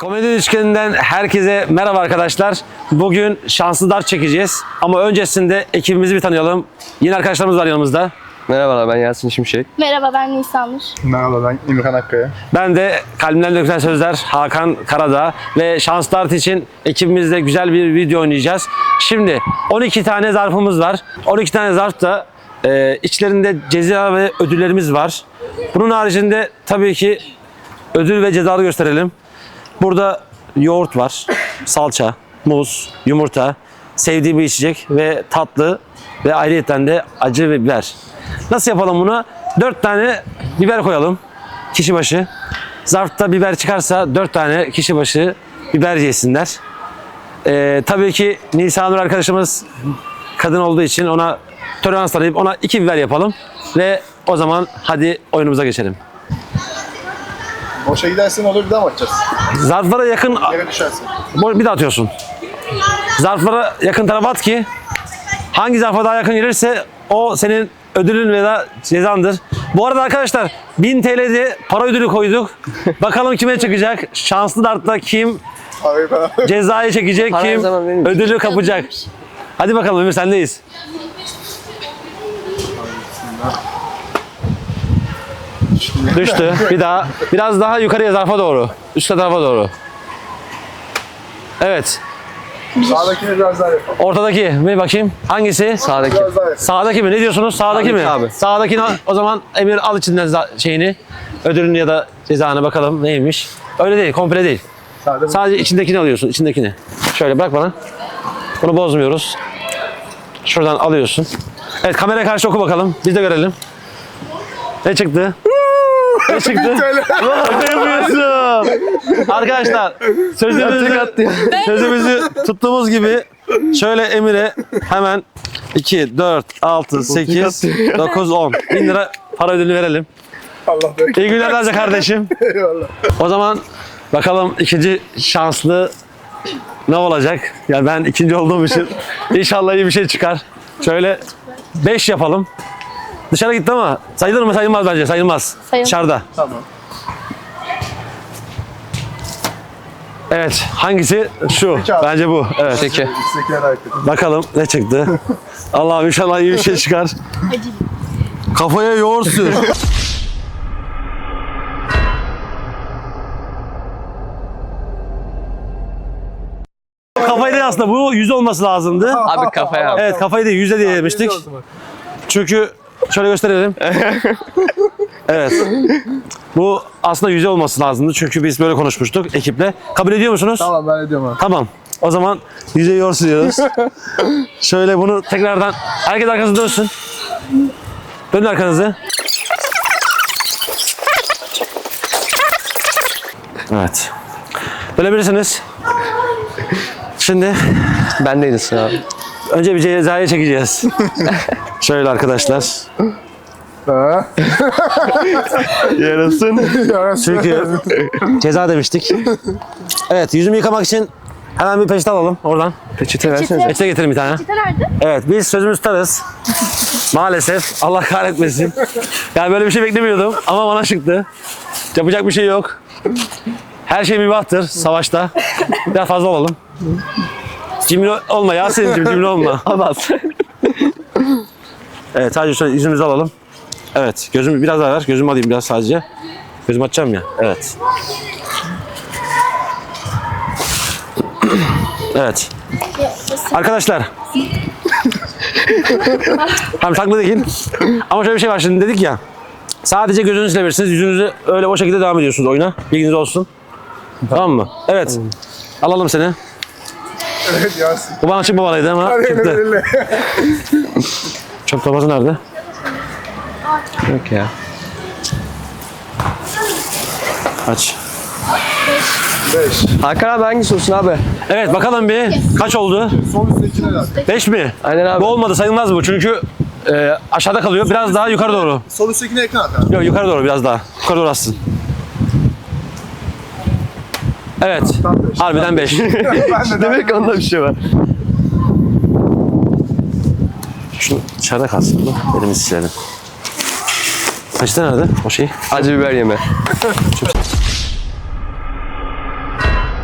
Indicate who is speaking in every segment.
Speaker 1: Komedi Üçgeni'nden herkese merhaba arkadaşlar. Bugün şanslı dart çekeceğiz. Ama öncesinde ekibimizi bir tanıyalım. Yeni arkadaşlarımız var yanımızda.
Speaker 2: Merhabalar, ben Yasin Şimşek.
Speaker 3: Merhaba, ben Nisanur.
Speaker 4: Merhaba, ben İmran Akkaya.
Speaker 1: Ben de Kalbimden Dökülen Sözler Hakan Karadağ. Ve şans dart için ekibimizle güzel bir video oynayacağız. Şimdi 12 tane zarfımız var. 12 tane zarf da içlerinde ceza ve ödüllerimiz var. Bunun haricinde tabii ki ödül ve cezaları gösterelim. Burada yoğurt var, salça, muz, yumurta, sevdiği bir içecek ve tatlı ve ayrıyeten de acı ve biber. Nasıl yapalım bunu? 4 tane biber koyalım kişi başı. Zarfta biber çıkarsa 4 tane kişi başı biber yesinler. Tabii ki Nisanur arkadaşımız kadın olduğu için ona tolerans tanıyıp ona 2 biber yapalım. Ve o zaman hadi oyunumuza geçelim.
Speaker 4: Boşa gidersen olur, bir daha mı atacağız?
Speaker 1: Zarflara yakın...
Speaker 4: Yere düşersin.
Speaker 1: Bir daha atıyorsun. Zarflara yakın tarafa at ki hangi zarfa daha yakın gelirse o senin ödülün veya cezandır. Bu arada arkadaşlar 1000 TL'de para ödülü koyduk. Bakalım kime çıkacak? Şanslı dartta kim cezayı çekecek,
Speaker 2: Para her
Speaker 1: kim
Speaker 2: zaman benim.
Speaker 1: ödülü kapacak? Hadi bakalım Ömür, sendeyiz. Düştü. Bir daha. Biraz daha yukarıya, zarfa doğru. Üst tarafa doğru. Evet.
Speaker 4: Sağdakini biraz daha yapalım.
Speaker 1: Ortadaki bir bakayım. Hangisi?
Speaker 2: Sağdaki.
Speaker 4: Biraz daha yapalım.
Speaker 1: Sağdaki mi? Ne diyorsunuz? Sağdaki mi?
Speaker 2: Abi.
Speaker 1: Sağdakini o zaman Emir al içinden şeyini. Ödülünü ya da cezanı bakalım neymiş. Öyle değil, komple değil. Sadece içindekini alıyorsun, içindekini. Şöyle bırak bana. Bunu bozmuyoruz. Şuradan alıyorsun. Evet, kameraya karşı oku bakalım. Biz de görelim. Ne çıktı? Ne çıktı? Ne yapıyorsun? Arkadaşlar sözümüzü tuttuğumuz gibi şöyle Emir'e hemen 2, 4, 6, 8, 9, 10 bin lira para ödülü verelim.
Speaker 4: Allah be.
Speaker 1: İyi günler Raza kardeşim.
Speaker 4: Eyvallah.
Speaker 1: O zaman bakalım ikinci şanslı ne olacak? Ya ben ikinci olduğum için inşallah iyi bir şey çıkar. Şöyle 5 yapalım. Dışarı gitti ama sayılır mı? Sayılmaz bence. Sayılmaz.
Speaker 3: Sayılmaz.
Speaker 1: Dışarıda.
Speaker 4: Tamam.
Speaker 1: Evet. Hangisi? Şu.
Speaker 4: Peki abi.
Speaker 1: Bence bu. Evet.
Speaker 2: Peki.
Speaker 4: İstekler hareket.
Speaker 1: Bakalım ne çıktı. Allah'ım inşallah iyi bir şey çıkar. Kafaya yoğurt sür. Kafayı değil aslında. Bu 100 olması lazımdı.
Speaker 2: Abi kafaya abi.
Speaker 1: Evet, kafayı değil 100'e diye demiştik. Çünkü şöyle gösterelim. Evet. Bu aslında 100 olması lazımdı. Çünkü biz böyle konuşmuştuk ekiple. Kabul ediyor musunuz?
Speaker 4: Tamam, ben ediyorum abi.
Speaker 1: Tamam. O zaman 100'e yoğurt sürüyoruz. Şöyle bunu tekrardan herkes arkasına dönsün. Dönün arkanızı. Evet. Dönebilirsiniz. Şimdi
Speaker 2: Bendeydi sıra abi.
Speaker 1: önce bir cezayı çekeceğiz. Şöyle arkadaşlar.
Speaker 4: Ha?
Speaker 1: Yarasın. Çünkü ceza demiştik. Evet, yüzümü yıkamak için hemen bir peçete alalım oradan.
Speaker 2: Peçete versene.
Speaker 1: Peçete getirin bir tane.
Speaker 3: Çita nerede?
Speaker 1: Evet, biz sözümüzü tutarız. Maalesef. Allah kahretmesin. Yani böyle bir şey beklemiyordum ama bana çıktı. Yapacak bir şey yok. Her şey mübahtır savaşta. Biraz fazla olalım. Cimri olma Yasin'cim, cimri olma.
Speaker 2: Abbas.
Speaker 1: Evet, sadece şöyle yüzümüzü alalım. Evet, gözümü biraz daha ver. Gözümü alayım biraz sadece. Gözümü açacağım ya. Evet. Evet. Arkadaşlar. Tamam, takma değil. Ama şöyle bir şey var, şimdi dedik ya. Sadece gözünüzü silebilirsiniz. Yüzünüzü öyle o şekilde devam ediyorsunuz oyuna. Bilginiz olsun. Tamam mı? Evet. Alalım seni.
Speaker 4: Evet Yasin.
Speaker 1: Bu bana çıkmamalıydı ama çıktı. Çöp torbası nerede?
Speaker 2: Yok ya.
Speaker 1: Aç.
Speaker 4: 5.
Speaker 2: Hakan abi hangisi olsun abi?
Speaker 1: Evet, bakalım bir. Kaç oldu?
Speaker 4: Son üsttekine herhalde.
Speaker 1: 5 mi?
Speaker 2: Aynen abi.
Speaker 1: Bu olmadı, sayılmaz bu çünkü aşağıda kalıyor. Biraz daha yukarı doğru.
Speaker 4: Sol üsttekine yakın at abi.
Speaker 1: Yok, yukarı doğru biraz daha. Yukarı doğru atsın. Evet.
Speaker 4: Tam beş.
Speaker 1: Harbiden 5.
Speaker 2: Demek ki onda bir şey var.
Speaker 1: Şunu dışarıda kalsın. Elimizi silelim. Peçete nerede? O şey.
Speaker 2: Acı biber yeme.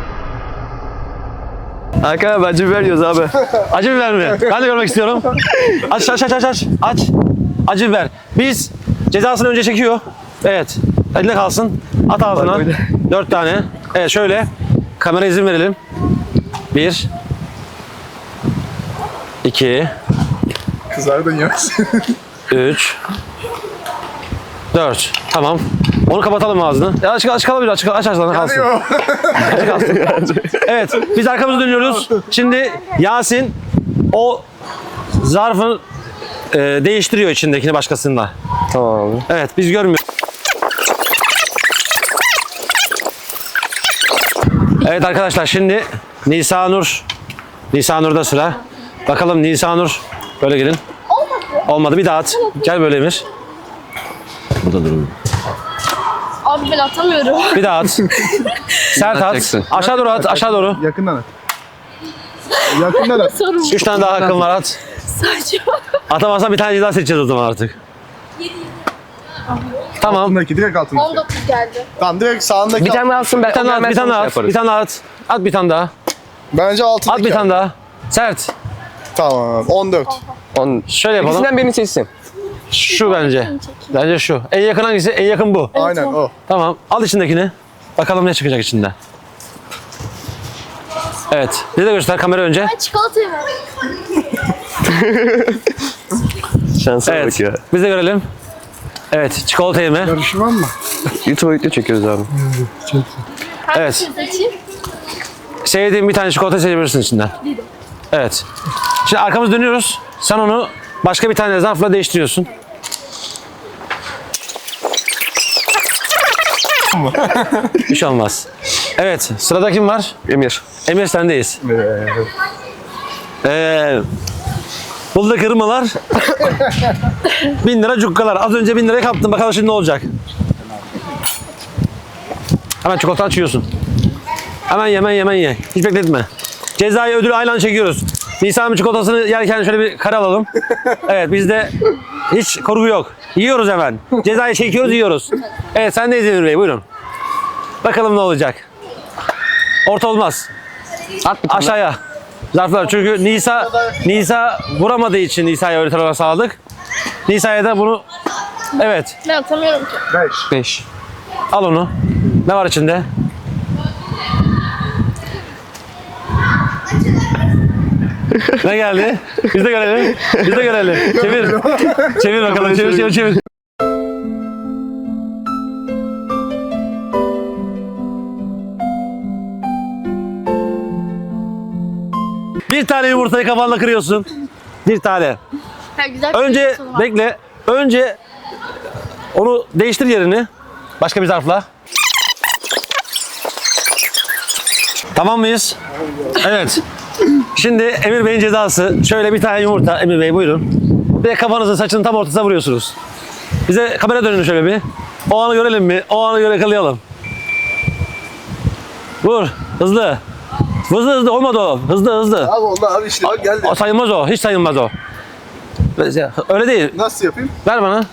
Speaker 2: Hakan abi acı biber yiyoruz abi.
Speaker 1: Acı biber mi? Ben de görmek istiyorum. Aç. Aç. Acı biber. Biz cezasını önce çekiyor. Evet. Eline kalsın. At ağzına.
Speaker 2: Bak öyle.
Speaker 1: 4 tane. Evet şöyle. Kamera izin verelim. 1 2
Speaker 4: Kızar da yemez.
Speaker 1: 3 4. Tamam. Onu kapatalım ağzını. Ya aç kalabilir. Aç ağzını kalsın.
Speaker 4: Yanıyor.
Speaker 1: Aç kalsın. Evet. Biz arkamızı dönüyoruz. Şimdi Yasin o zarfın değiştiriyor içindekini başkasında.
Speaker 2: Tamam abi.
Speaker 1: Evet biz görmüyoruz. Evet arkadaşlar şimdi Nisanur'da sıra. Bakalım Nisanur. Böyle gelin. Olmadı bir daha at. Gel böyle Emir. Burada durun.
Speaker 3: Abi ben atamıyorum.
Speaker 1: Bir daha at. Sert at.
Speaker 2: Atacaksın.
Speaker 1: Aşağı doğru at. Aşağı doğru.
Speaker 4: Yakından at. Yakından at.
Speaker 3: Sorun
Speaker 1: 3 tane daha hakkın var at.
Speaker 3: saçma.
Speaker 1: Atamazsan bir tane daha seçeceğiz o zaman artık. Tamam.
Speaker 4: Altındaki direkt altındaki.
Speaker 3: 19 geldi.
Speaker 4: Tamam direkt sağındaki.
Speaker 2: Bir tane daha alsın ben.
Speaker 1: Bir tane daha at. Bir tane daha at. Bir tane daha at. At bir tane daha.
Speaker 4: Bence altındaki.
Speaker 1: At bir tane daha. Sert.
Speaker 4: Tamam. 14.
Speaker 1: Şöyle yapalım.
Speaker 2: İkisinden birini seçsin.
Speaker 1: Şu bence. Bence şu. En yakın hangisi? En yakın bu.
Speaker 4: Aynen o.
Speaker 1: Tamam. Al içindekini. Bakalım ne çıkacak içinden. Evet. Bize de göster kamera önce.
Speaker 3: Ben çikolatayı ver.
Speaker 2: Şansa
Speaker 1: Evet.
Speaker 2: bak ya.
Speaker 1: Biz de görelim. Evet. Çikolata yeme.
Speaker 4: Karışmam mı?
Speaker 2: YouTube'a video çekiyoruz abi.
Speaker 1: Evet.
Speaker 3: Hangisini seçeyim?
Speaker 1: Sevdiğin bir tane çikolata seçebilirsin içinden. Evet. Şimdi arkamızı dönüyoruz. Sen onu başka bir tane zarfla değiştiriyorsun. Bir şey olmaz. Evet. Sırada kim var?
Speaker 2: Emir.
Speaker 1: Emir sendeyiz. Burada kırmalar 1000 lira cukkalar. Az önce 1000 liraya kaptın. Bakalım şimdi ne olacak? Hemen çikolata açıyorsun. Hemen ye. Hiç bekletme. Cezayı ödülü aynı anda çekiyoruz. Nisan'ın çikolatasını yerken şöyle bir kare alalım. Evet bizde hiç korku yok. Yiyoruz hemen. Cezayı çekiyoruz yiyoruz. Evet sendeyiz Emir Bey buyurun. Bakalım ne olacak. Orta olmaz.
Speaker 2: At bir tane.
Speaker 1: Aşağıya. Zarflar. Çünkü Nisa vuramadığı için Nisa'ya öğreten olarak sağladık. Nisa'ya da bunu evet.
Speaker 3: Ben atamıyorum ki.
Speaker 4: 5.
Speaker 2: 5.
Speaker 1: Al onu. Ne var içinde? Ne geldi? Biz de görelim. Çevir. Çevir bakalım. Çevir. Bir tane yumurtayı kafanla kırıyorsun. Bir tane.
Speaker 3: Ha, güzel bir
Speaker 1: Önce
Speaker 3: sonu var.
Speaker 1: bekle. Önce onu değiştir yerini. Başka bir zarfla. Tamam mıyız? Evet. Şimdi Emir Bey'in cezası. Şöyle bir tane yumurta. Emir Bey buyurun. Bir de kafanızın saçının tam ortasına vuruyorsunuz. Bize kamera dönün şöyle bir. O anı görelim mi? O anı göre yakalayalım. Vur. Hızlı. Hızlı. Olmadı o. Hızlı.
Speaker 4: Abi oldu abi işte. Abi geldi.
Speaker 1: O sayılmaz o. Hiç sayılmaz o. Öyle değil.
Speaker 4: Nasıl yapayım?
Speaker 1: Ver bana.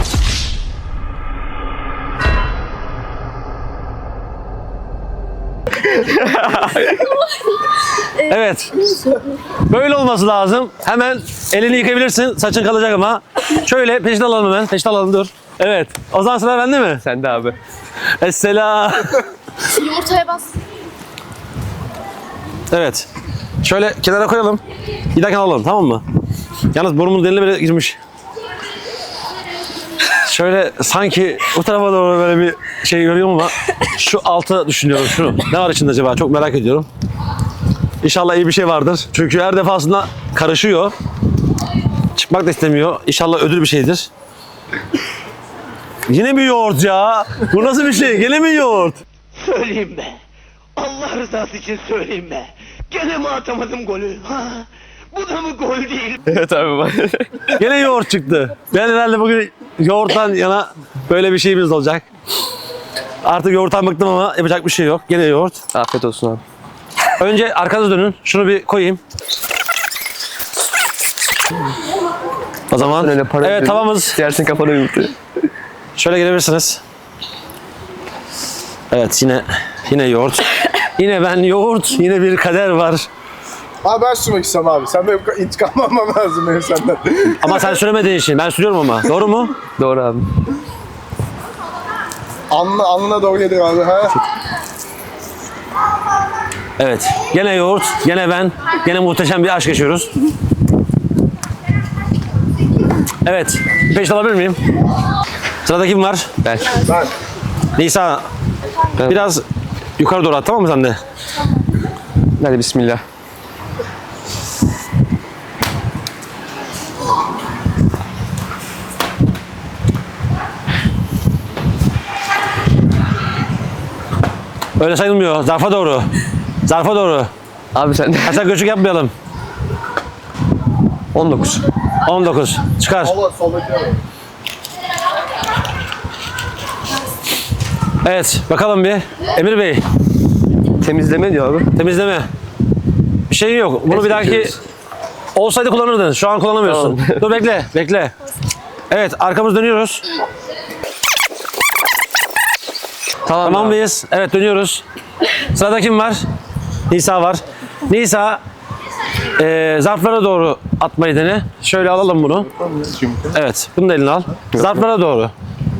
Speaker 1: Evet. Böyle olması lazım. Hemen elini yıkayabilirsin. Saçın kalacak ama. Şöyle peşin alalım hemen. Peşin alalım dur. Evet. O zaman sıra bende mi?
Speaker 2: Sen de abi.
Speaker 1: Esselam.
Speaker 3: Yumurtaya bas.
Speaker 1: Evet. Şöyle kenara koyalım. Giderken alalım tamam mı? Yalnız burnumun deliğine bile girmiş. Şöyle sanki bu tarafa doğru böyle bir şey görüyorum ama şu altı düşünüyorum şunu. Ne var içinde acaba? Çok merak ediyorum. İnşallah iyi bir şey vardır. Çünkü her defasında karışıyor. Çıkmak da istemiyor. İnşallah ödül bir şeydir. Yine mi yoğurt ya? Bu nasıl bir şey? Gene mi yoğurt?
Speaker 5: Söyleyeyim be. Allah rızası için söyleyeyim be. Gene mi atamadım golü? Ha? Bu da mı gol değil?
Speaker 2: Evet abi bak.
Speaker 1: Gene yoğurt çıktı. Ben herhalde bugün yoğurttan yana böyle bir şeyimiz olacak. Artık yoğurttan bıktım ama yapacak bir şey yok. Gene yoğurt.
Speaker 2: Afiyet olsun abi.
Speaker 1: Önce arkanıza dönün. Şunu bir koyayım. O zaman
Speaker 2: Öyle para
Speaker 1: evet
Speaker 2: ödülü.
Speaker 1: tavamız.
Speaker 2: Yersin kafana yumurta.
Speaker 1: Şöyle gelebilirsiniz. Evet yine yoğurt. Yine ben yoğurt. Yine bir kader var.
Speaker 4: Abi ben sürmek istemem abi. Sen benim intikam almam lazım benim senden.
Speaker 1: Ama sen süremediğin için ben sürüyorum ama. Doğru mu?
Speaker 2: Doğru abi.
Speaker 4: Alnına doğru geliyor abi. Ha?
Speaker 1: Evet. Gene yoğurt, gene ben, gene muhteşem bir aşk yaşıyoruz. Evet. Peşte alabilir miyim? Sırada kim var?
Speaker 2: Ben.
Speaker 4: Ben.
Speaker 1: Nisa. Biraz yukarı doğru at, tamam mı sen de?
Speaker 2: Hadi bismillah.
Speaker 1: Öyle sayılmıyor. Zarfa doğru. Zarfa doğru.
Speaker 2: Abi sen de.
Speaker 1: Kaçak göçük yapmayalım.
Speaker 2: 19.
Speaker 1: 19. Çıkar.
Speaker 4: Allah soldaki abi.
Speaker 1: Evet. Bakalım bir. Emir Bey.
Speaker 2: Temizleme diyor abi.
Speaker 1: Temizleme. Bir şey yok. Bunu bir dahaki
Speaker 2: geçiyoruz.
Speaker 1: olsaydı kullanırdın. Şu an kullanamıyorsun.
Speaker 2: Tamam.
Speaker 1: Dur bekle. Bekle. Evet. Arkamız dönüyoruz. Tamam
Speaker 2: abi.
Speaker 1: mıyız? Evet, dönüyoruz. Sırada kim var? Nisa var. Nisa zarflara doğru atmayı dene. Şöyle alalım bunu. Evet. Bunu da eline al. Zarflara doğru.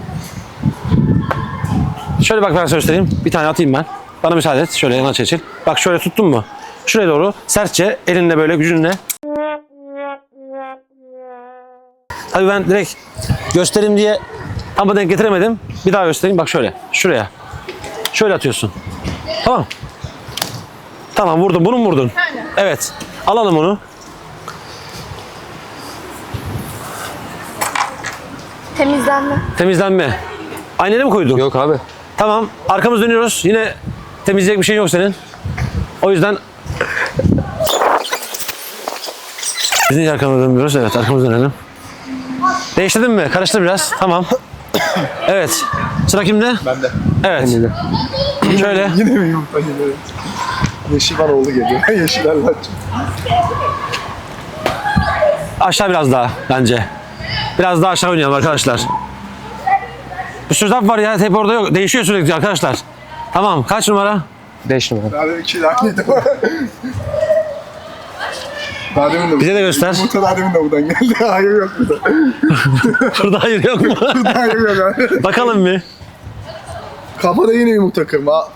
Speaker 1: Şöyle bak, ben sana göstereyim. Bir tane atayım ben. Bana müsaade et. Şöyle yana çekil. Bak şöyle tuttun mu? Şuraya doğru sertçe elinle böyle gücünle. Tabii ben direkt göstereyim diye ama denk getiremedim. Bir daha göstereyim. Bak şöyle. Şuraya. Şöyle atıyorsun. Tamam. Tamam, vurdun. Bunu mu vurdun? Evet. Alalım onu.
Speaker 3: Temizlenme.
Speaker 1: Temizlenme. Aynaya mı koydun?
Speaker 2: Yok abi.
Speaker 1: Tamam. Arkamız dönüyoruz. Yine temizleyecek bir şey yok senin. O yüzden biz niye arkamıza dönmüyoruz? Evet, arkamıza dönelim. Değiştirdin mi? Karıştır biraz. Tamam. Evet. Sıra kimde?
Speaker 4: Bende.
Speaker 1: Evet. Şöyle.
Speaker 4: Yine mi yumurta geliyor? Yeşil bana oldu geliyor. Yeşil Allah.
Speaker 1: Aşağı biraz daha bence. Biraz daha aşağı oynayalım arkadaşlar. Bir sürü zarf var ya. Hep orada yok. Değişiyor sürekli arkadaşlar. Tamam. Kaç numara?
Speaker 2: 5 numara.
Speaker 4: Daha demin 2 dakikaydı. Daha demin de
Speaker 1: Bize de göster.
Speaker 4: Yumurta daha demin de buradan geldi. Hayır yok burada.
Speaker 1: Burada hayır yok mu?
Speaker 4: Hayır yok abi.
Speaker 1: Bakalım bir.
Speaker 4: Kafada yine yumurta kırma.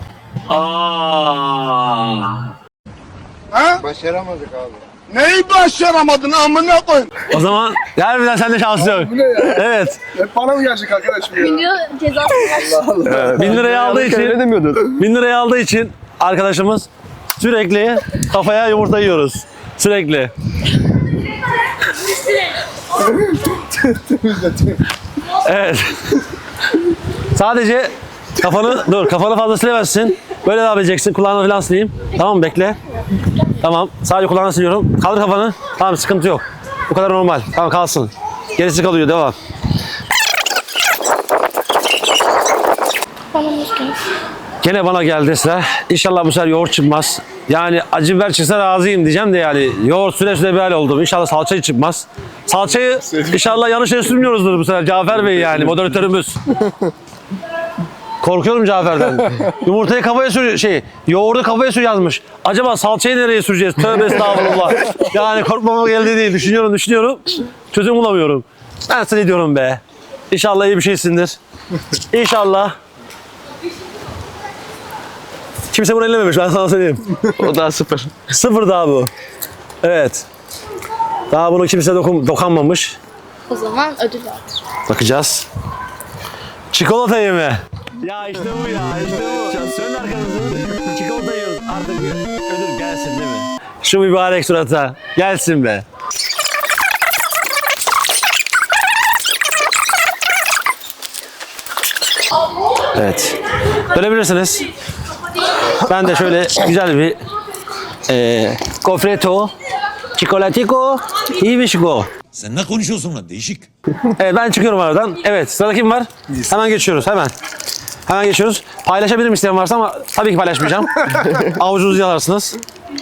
Speaker 6: Başaramadık abi. Neyi başaramadın amına koyayım?
Speaker 1: O zaman harbiden sende şans yok.
Speaker 4: Bu ne ya?
Speaker 1: Evet.
Speaker 4: Hep bana mı gelecek arkadaşım ya?
Speaker 3: Milyon cezası var.
Speaker 1: 1000 lirayı aldığı
Speaker 2: Öyle
Speaker 1: için
Speaker 2: demiyordun.
Speaker 1: 1000 lirayı aldığı için arkadaşımız sürekli kafaya yumurta yiyoruz. Sürekli. Evet. Sadece kafanı fazla silemezsin. Böyle devam edeceksin. Kulağını falan sileyim. Tamam mı? Bekle. Tamam. Sadece kulağını siliyorum. Kaldır kafanı. Tamam, sıkıntı yok. Bu kadar normal. Tamam, kalsın. Gerisi kalıyor. Devam.
Speaker 3: Bana müşkül.
Speaker 1: Gene bana geldi sıra. İnşallah bu sefer yoğurt çıkmaz. Yani acı biber çıksa razıyım diyeceğim de yani yoğurt süre süre bir hal oldum. İnşallah salçayı çıkmaz. Salçayı inşallah yanlış yere sürmüyoruzdur bu sefer. Cafer Bey yani moderatörümüz. Korkuyorum Cafer'den. Yumurtayı kafaya sür, yoğurdu kafaya sür yazmış. Acaba salçayı nereye süreceğiz? Tövbe estağfurullah. Yani korkmama geldi değil. Düşünüyorum. Çözüm bulamıyorum. Ben sana diyorum be. İnşallah iyi bir şeysindir. İnşallah. Kimse bunu ellememiş, ben sana söyleyeyim.
Speaker 2: O daha 0.
Speaker 1: 0 daha bu. Evet. Daha bunu kimse dokanmamış.
Speaker 3: O zaman ödül vardır.
Speaker 1: Bakacağız. Çikolata yeme. Ya işte bu ya, işte bu. Sönün arkanızı. Çikolata yiyoruz. Artık ödül gelsin değil mi? Şu mübarek surata gelsin be. Evet. Dönebilirsiniz. Ben de şöyle güzel bir gofretto, çikolatico, hibişko.
Speaker 7: Sen ne konuşuyorsun lan değişik.
Speaker 1: Evet, ben çıkıyorum aradan. Evet, sırada kim var? Hemen geçiyoruz, hemen. Hemen geçiyoruz. Paylaşabilirim isteyen varsa ama tabii ki paylaşmayacağım. Avucunuzu yalarsınız.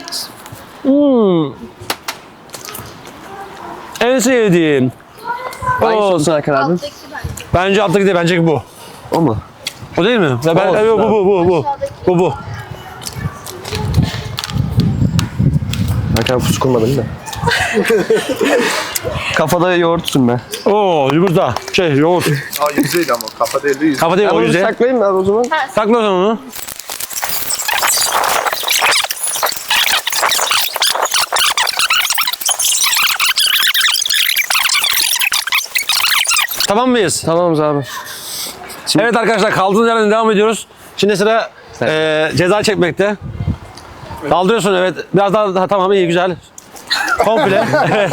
Speaker 1: En sevdiğim.
Speaker 2: Hangisi
Speaker 1: O,
Speaker 2: olsun Hakan abi?
Speaker 3: Alttaki bence.
Speaker 1: bence alttaki değil, bence bu.
Speaker 2: O mu?
Speaker 1: O değil mi? Ya ben,
Speaker 2: Olsun
Speaker 1: evet, bu. Bu.
Speaker 2: Hakan pusu kurmadın da. Kafada yoğurt sürme.
Speaker 1: Oo yumurta. Yoğurt.
Speaker 4: Aa yüzeydi ama kafa değil yüz.
Speaker 1: Kafa değil
Speaker 2: Ben
Speaker 1: o
Speaker 2: onu
Speaker 1: yüzden.
Speaker 2: saklayayım ben o zaman.
Speaker 1: Sakla o zaman onu. Tamam mıyız?
Speaker 2: Tamamız abi.
Speaker 1: Evet arkadaşlar kaldığımız yerden devam ediyoruz. Şimdi sıra ceza çekmekte. Kaldırıyorsun evet. Biraz daha tamam iyi güzel. Komple. Evet.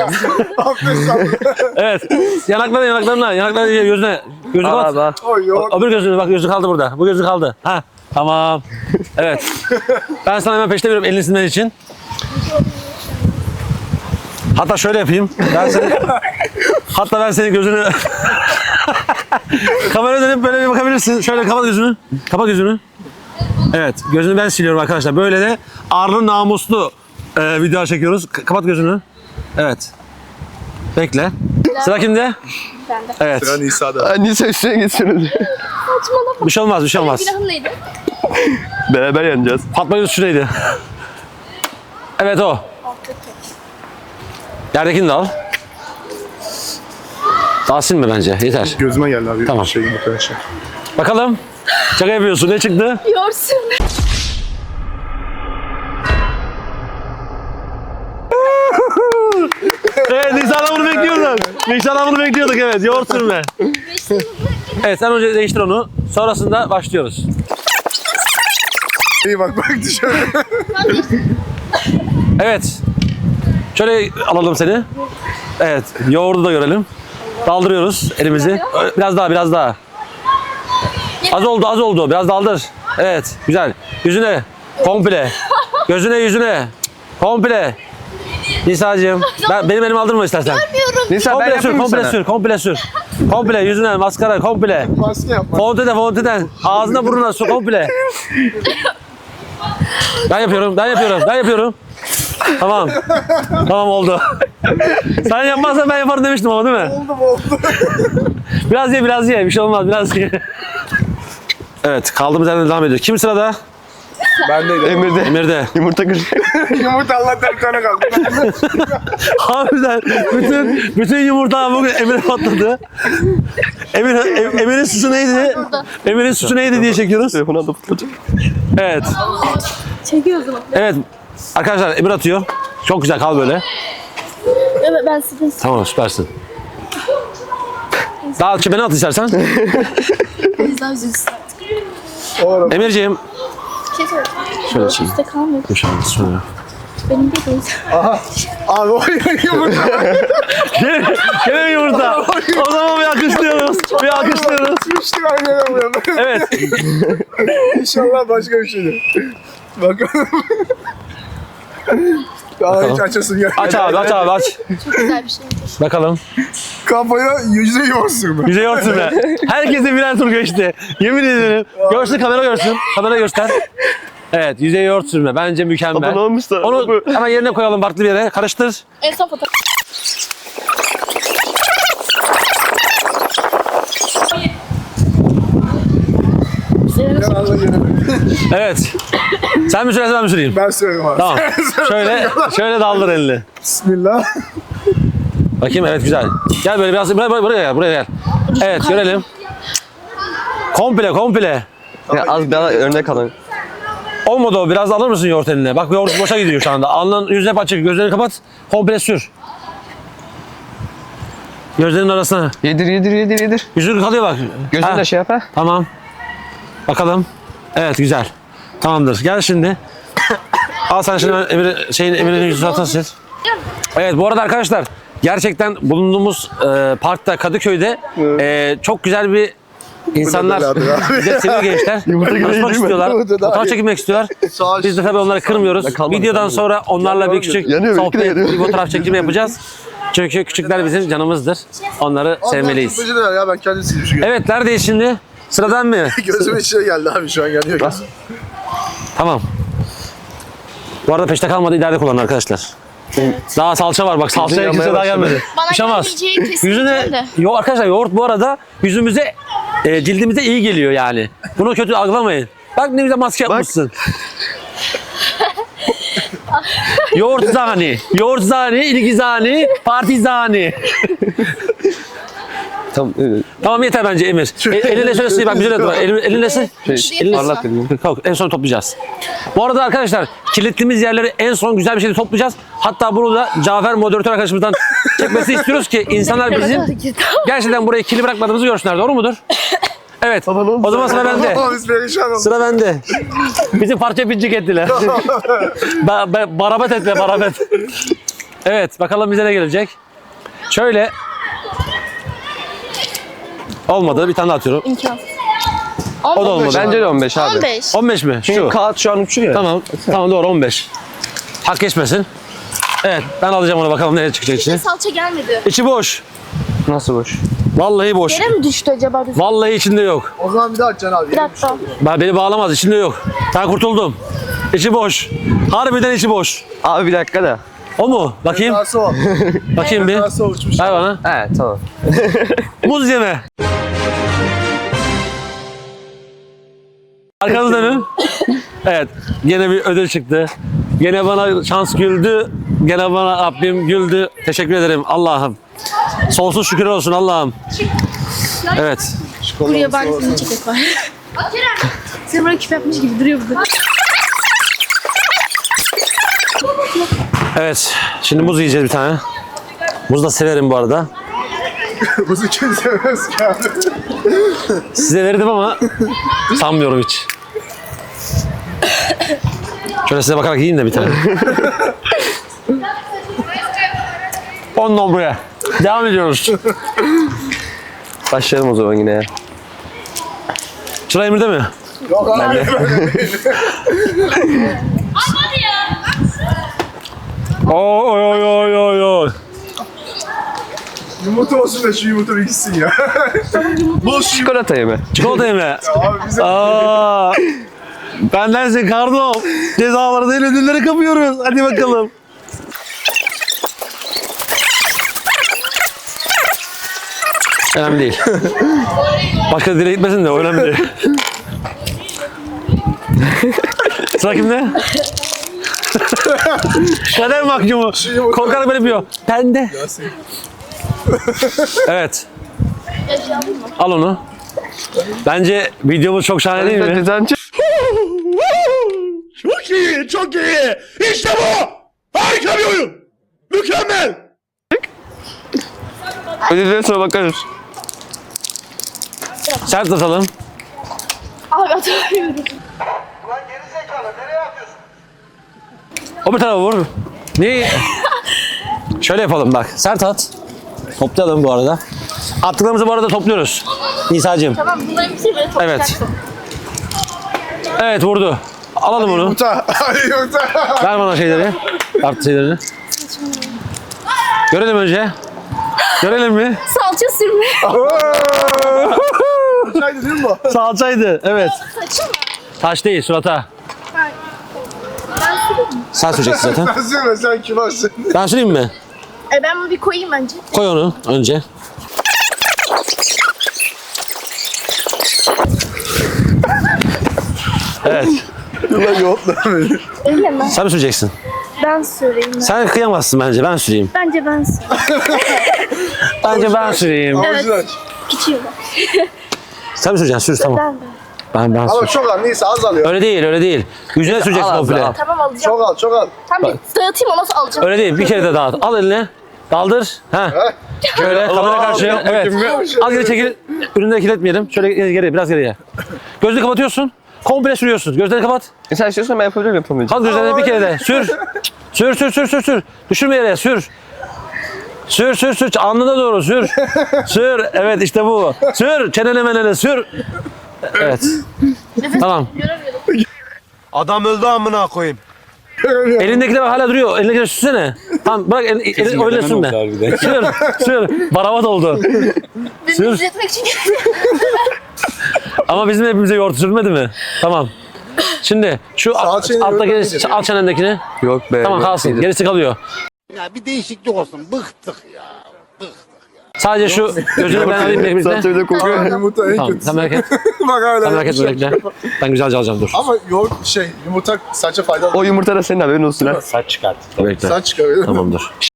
Speaker 1: Evet. Yanaklarına, gözüne. Gözünü
Speaker 2: Al
Speaker 1: kapat.
Speaker 2: abi al.
Speaker 4: Oy yok.
Speaker 1: Öbür gözünü bak gözü kaldı burada. Bu gözü kaldı. Ha tamam. Evet. Ben sana hemen peşte veriyorum elini silmen için. Hatta şöyle yapayım. Hatta ben senin gözünü kameraya dönüp böyle bir bakabilirsin. Şöyle kapat gözünü. Kapat gözünü. Evet. Gözünü ben siliyorum arkadaşlar. Böyle de arlı namuslu video çekiyoruz. Kapat gözünü. Evet. Bekle. Sıra kimde?
Speaker 3: Bende.
Speaker 1: Evet.
Speaker 4: Sıra Nisa'da.
Speaker 2: Nisa üstüne geçiyoruz.
Speaker 3: Saçmalama.
Speaker 1: Bir şey olmaz, bir şey olmaz.
Speaker 3: Günahım neydi?
Speaker 2: Beraber yeneceğiz.
Speaker 1: Fatma Yunus şuraydı. Evet o. Yerdekini de al. Daha silme bence. Yeter.
Speaker 4: Gözüme geldi abi.
Speaker 1: Tamam.
Speaker 4: Şey arkadaşlar.
Speaker 1: Bakalım. Şaka yapıyorsun. Ne çıktı?
Speaker 3: Yorsun.
Speaker 1: Evet, Nisan'dan bunu bekliyorduk. Nisan'dan bunu bekliyorduk evet. Yoğurt sürme. Evet, sen önce değiştir onu. Sonrasında başlıyoruz.
Speaker 4: İyi bak dışarı.
Speaker 1: Evet. Şöyle alalım seni. Evet, yoğurdu da görelim. Daldırıyoruz elimizi. Biraz daha, biraz daha. Az oldu, az oldu. Biraz daldır. Evet, güzel. Yüzüne, komple. Gözüne, yüzüne. Komple. Nisa'cığım, benim elimi aldırma istersen.
Speaker 2: Nisa ben
Speaker 1: Komple sür,
Speaker 2: yapayım mı
Speaker 1: komple
Speaker 2: sana?
Speaker 1: sür, komple sür. Komple yüzüne, maskara, komple.
Speaker 4: Maske yapma.
Speaker 1: Fonteden. Ağzına burnuna su, komple. Ben yapıyorum. Tamam. Tamam oldu. Sen yapmazsan ben yaparım demiştim ama değil mi?
Speaker 4: Oldu.
Speaker 1: Biraz ye. Bir şey olmaz, biraz ye. Evet, kaldığımız yerden devam ediyoruz. Kim sırada?
Speaker 4: Bendeydi.
Speaker 2: Emir'de.
Speaker 1: Emir'de.
Speaker 2: Yumurta kır.
Speaker 4: Yumurta Allah'tan bir tane kaldı.
Speaker 1: Harbiden bütün yumurta bugün Emir'e patladı. Emir'in suçu neydi? Emir'in suçu neydi diye çekiyoruz.
Speaker 2: Telefonu da fırlatacak.
Speaker 1: Evet.
Speaker 3: Çekiyoruz ama.
Speaker 1: Evet. Arkadaşlar Emir atıyor. Çok güzel kal böyle.
Speaker 3: Evet ben sizin.
Speaker 1: Tamam süpersin. Daha beni at istersen.
Speaker 3: Biz daha üzülsün artık.
Speaker 1: Emirciğim.
Speaker 3: Bir şey söyleyeceğim.
Speaker 1: Şöyle çekeyim.
Speaker 3: Üstte kalmıyor.
Speaker 1: Şöyle.
Speaker 3: Benim de değil.
Speaker 4: Abi o yumurta.
Speaker 1: Gene mi yumurta? O zaman bir alkışlıyoruz.
Speaker 4: Üçlü aynı yere vuruyor.
Speaker 1: Evet.
Speaker 4: İnşallah başka bir şeydir. Bakalım. Daha hiç açasın ya.
Speaker 1: Aç abi aç.
Speaker 3: Çok güzel bir şeymiş.
Speaker 1: Bakalım.
Speaker 4: Kafaya yüzde yoğursun mu?
Speaker 1: Yüzey örtün be. Herkese birer tur geçti. Yemin ederim. Görsün kamera görsün. Kamera göster. Evet yüzey yoğurt sürme. Bence mükemmel.
Speaker 2: Abone olmuşlar.
Speaker 1: Onu hemen yerine koyalım farklı bir yere. Karıştır.
Speaker 3: En son fotoğraf.
Speaker 1: Evet. Sen mi sürersin ben mi süreyim?
Speaker 4: Ben söyleyeyim abi.
Speaker 1: Tamam. Şöyle daldır elini.
Speaker 4: Bismillah.
Speaker 1: Bakayım evet güzel. Gel böyle biraz buraya gel. Evet görelim. Komple.
Speaker 2: Ya az daha örnek alın.
Speaker 1: Olmadı o. Biraz alır mısın yoğurt eline? Bak yoğurt boşa gidiyor şu anda. Alnın yüzüne hep açık. Gözlerini kapat. Komple sür. Gözlerinin arasına.
Speaker 2: Yedir.
Speaker 1: Yüzün kalıyor bak.
Speaker 2: Gözünü
Speaker 1: Ha,
Speaker 2: de şey yap ha.
Speaker 1: Tamam. Bakalım. Evet güzel. Tamamdır. Gel şimdi. Al sen şimdi Emir'in yüzünü sil. Evet bu arada arkadaşlar gerçekten bulunduğumuz parkta Kadıköy'de çok güzel bir insanlar bize seviyor gençler. Konuşmak istiyorlar. Fotoğraf çekilmek istiyorlar. Biz de tabii onları kırmıyoruz.
Speaker 2: kalmadı,
Speaker 1: Videodan
Speaker 2: kalmadı.
Speaker 1: sonra onlarla bir küçük
Speaker 2: Yanıyor,
Speaker 1: sohbet,
Speaker 2: benimki de yanıyor.
Speaker 1: bir fotoğraf çekimi yapacağız. Çünkü küçükler bizim canımızdır. Onları sevmeliyiz.
Speaker 4: Abi ya ben kendim silmişim.
Speaker 1: Evet neredeyiz şimdi? Sıradan mı?
Speaker 4: Gözümün içine geldi abi şu an geliyor.
Speaker 1: Tamam. Bu arada peşte kalmadı ileride kullanın arkadaşlar. Daha salça var bak salçaya
Speaker 2: yanmaya
Speaker 1: kimse daha
Speaker 2: başladı.
Speaker 1: gelmedi.
Speaker 3: Bana
Speaker 1: Bir şey olmaz.
Speaker 3: gelmeyeceği kesin
Speaker 1: Yüzüne,
Speaker 3: de.
Speaker 1: arkadaşlar yoğurt bu arada yüzümüze, cildimize iyi geliyor yani. Bunu kötü algılamayın. Bak ne güzel maske yapmışsın. Yoğurt zani. Yoğurt zani, ilgi zani, parti zani.
Speaker 2: Tamam.
Speaker 1: Tamam yeter bence Emir. Elinle şöyle sil bak güzel yapıyor. Elinle sil. Elinle
Speaker 2: Parlak dedim.
Speaker 1: Kalk, en son toplayacağız. Bu arada arkadaşlar kilitliğimiz yerleri en son güzel bir şekilde toplayacağız. Hatta bunu da Cafer moderatör arkadaşımızdan çekmesini istiyoruz ki insanlar bizim gerçekten burayı kirli bırakmadığımızı görsünler. Doğru mudur? Evet. O zaman sıra bende.
Speaker 4: Biz perişan olduk.
Speaker 1: Sıra bende. Bizi parça pincik ettiler. Barabet ettiler, barabet. Evet, bakalım bize ne gelecek. Şöyle. Olmadı, bir tane daha atıyorum.
Speaker 3: İmkansız.
Speaker 1: O da olmadı.
Speaker 2: Bence de 15 abi.
Speaker 3: 15.
Speaker 1: 15 mi?
Speaker 2: Çünkü
Speaker 1: Şu.
Speaker 2: kağıt şu an uçuyor ya.
Speaker 1: Tamam, tamam doğru 15. Hak geçmesin. Evet, ben alacağım onu bakalım nereye çıkacak içine.
Speaker 3: Salça gelmedi.
Speaker 1: İçi boş.
Speaker 2: Nasıl boş?
Speaker 1: Vallahi boş.
Speaker 3: Yere mi düştü acaba?
Speaker 1: Vallahi içinde yok.
Speaker 4: O zaman bir daha açacaksın abi.
Speaker 3: Bir dakika.
Speaker 1: Beni bağlamaz, içinde yok. Ben kurtuldum. İçi boş. Harbiden içi boş.
Speaker 2: Abi bir dakika da.
Speaker 1: O mu? Bakayım.
Speaker 4: Nasıl o?
Speaker 1: Bakayım bir.
Speaker 4: Nasıl uçmuş?
Speaker 1: Ver bana.
Speaker 2: He tamam.
Speaker 1: Muz yeme. Arkanızda dönün. Evet. Gene bir ödül çıktı. Gene bana şans güldü. Gene bana Rabbim güldü. Teşekkür ederim Allah'ım. Sonsuz şükür olsun Allah'ım. Evet.
Speaker 3: Buraya bari senin çekek var. Sen böyle küp yapmış gibi duruyor burada.
Speaker 1: Evet. Şimdi muz yiyeceğiz bir tane. Muz da severim bu arada.
Speaker 4: Buzu kim sevmez ki abi?
Speaker 1: Size verdim ama sanmıyorum hiç. Şöyle size bakarak yiyeyim de bir tane. 10 nombraya. Devam ediyoruz.
Speaker 2: Başlayalım o zaman yine ya.
Speaker 1: Sıra Emir'de mi?
Speaker 4: Yok abi.
Speaker 1: Oy oy oy oy oy.
Speaker 4: Yumurta olsun da şu yumurta bir gitsin ya.
Speaker 2: Çikolata yeme.
Speaker 1: Çikolata yeme.
Speaker 4: Abi bize
Speaker 1: Aa, bendensin kardom. Cezaları değil ödülleri kapıyoruz. Hadi bakalım. Önemli değil. Başka dile gitmesin de önemli değil. Sıra kimde? Kader mahkumu. Korkarak böyle yapıyor. Bende. Evet. Al onu. Bence videomuz çok şahane değil mi?
Speaker 2: Düzen çık.
Speaker 6: Çok iyi, çok iyi. İşte bu. Harika bir oyun. Mükemmel.
Speaker 2: Ödülden sonra bakarız.
Speaker 1: Sert atalım.
Speaker 3: Abi atamıyorum.
Speaker 1: O bir tarafa vur. Niye? Şöyle yapalım bak. Sert at. Toplayalım bu arada. Attıklarımızı bu arada topluyoruz. Nisa'cığım.
Speaker 3: Tamam bunların bir şey böyle toplayacaksın.
Speaker 1: Evet vurdu. Alalım onu.
Speaker 4: yumurta. Hadi yumurta.
Speaker 1: Ver bana şeyleri. Artı şeylerini. Görelim önce. Görelim mi?
Speaker 3: Salça sürme.
Speaker 4: Uçaydı değil mi bu?
Speaker 1: Salçaydı. Evet.
Speaker 3: Saçım mı?
Speaker 1: Taş değil surata.
Speaker 3: Ben süreyim mi?
Speaker 1: Sen süreceksin zaten.
Speaker 4: Ben söyleme sen kibarsın.
Speaker 1: Ben süreyim mi?
Speaker 3: Ben bunu bir koyayım bence.
Speaker 1: Koy onu önce. Evet.
Speaker 4: Ulan yoğurtla beni.
Speaker 3: Öyle mi?
Speaker 1: Sen mi süreceksin?
Speaker 3: Ben süreyim.
Speaker 1: Sen kıyamazsın bence. Ben süreyim.
Speaker 3: Bence ben süreyim.
Speaker 1: Bence ben süreyim.
Speaker 4: Avucunu aç.
Speaker 3: Küçüğüm.
Speaker 1: Sen mi süreceksin? Sür tamam. Ben
Speaker 4: Ama
Speaker 1: sür.
Speaker 4: çok al neyse az alıyor.
Speaker 1: Öyle değil, öyle değil. Yüzüne süreceksin
Speaker 2: al,
Speaker 1: komple.
Speaker 2: al.
Speaker 3: Tamam alacağım.
Speaker 4: Çok al çok al.
Speaker 3: Tam bir dağıtayım o nasıl alacağım?
Speaker 1: Öyle değil. Bir kere de dağıt. Al eline. Daldır. Ha. Şöyle kamera karşıya. Evet. Az geri çekil. Ürünleri kirletmeyelim. Şöyle geri, biraz geriye. Gözünü kapatıyorsun. Komple sürüyorsun. Gözlerini kapat.
Speaker 2: Sen istiyorsan ben yapabilirim yapamayacağım.
Speaker 1: Kalk gözlerini bir kere de. Sür. Sür. Düşürme yere. Sür. Sür. Alnına doğru sür. Sür. Evet işte bu. Sür. Çenene menene sür. Evet. Tamam.
Speaker 6: Adam öldü amına koyayım.
Speaker 1: Elindekiler hala duruyor. Elindekiler sürsene. Tamam bırak elini öyle sürme. Sür. Baravat oldu.
Speaker 3: Beni izletmek için
Speaker 1: Ama bizim hepimize yoğurt sürmedi mi? Tamam. Şimdi şu
Speaker 4: Salçayı
Speaker 1: alttaki
Speaker 4: yoğurtla
Speaker 1: alt çenendekini.
Speaker 2: Yok be.
Speaker 1: Tamam
Speaker 2: yok
Speaker 1: kalsın.
Speaker 2: değil.
Speaker 1: Gerisi kalıyor.
Speaker 6: Ya bir değişiklik olsun. Bıktık ya. Bıktık.
Speaker 1: Sadece şu gözünü ben alayım bekle.
Speaker 2: Salça bir de kokuyor.
Speaker 4: Yumurta en
Speaker 1: Tamam
Speaker 4: kötüsü.
Speaker 1: sen merak et.
Speaker 4: Bak hala.
Speaker 1: Sen merak etme bekle. Ben güzelce alacağım dur.
Speaker 4: Ama yoğurt yumurta saça faydalı.
Speaker 2: O yumurta da senin haberin olsun ha.
Speaker 1: Bekle.
Speaker 4: Saç çıkıyor.
Speaker 1: Tamam dur.